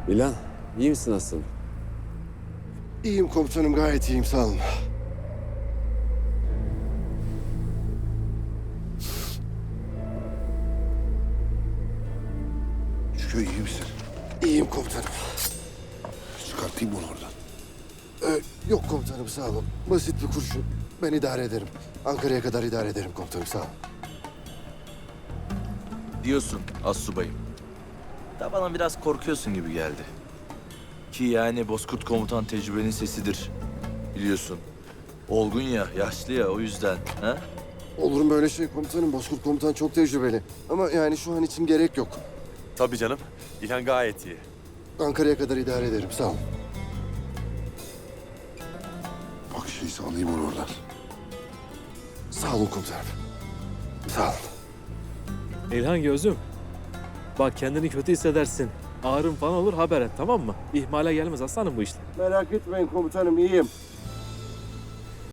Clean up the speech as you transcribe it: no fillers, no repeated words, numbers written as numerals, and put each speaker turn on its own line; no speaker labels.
İlhan, iyi misin aslanım?
İyiyim komutanım, gayet iyiyim, sağ olun.
Şükrü iyi misin?
İyiyim komutanım.
Çıkartayım onu oradan.
Yok komutanım, sağ olun. Basit bir kurşun. Ben idare ederim. Ankara'ya kadar idare ederim komutanım, sağ olun.
Diyorsun astsubayım. Da bana biraz korkuyorsun gibi geldi. Ki yani Bozkurt komutan tecrübenin sesidir. Biliyorsun. Olgun ya, yaşlı ya o yüzden. Ha?
Olur mu böyle şey komutanım? Bozkurt komutan çok tecrübeli. Ama yani şu an için gerek yok.
Tabii canım. İlhan gayet iyi.
Ankara'ya kadar idare ederim, sağ olun.
Bak şeyse alayım onu oradan.
Sağ olun komutanım. Sağ olun.
İlhan gözüm. Bak kendini kötü hissedersin. Ağrın falan olur haber et tamam mı? İhmale gelmez aslanım bu işler.
Merak etmeyin komutanım, iyiyim.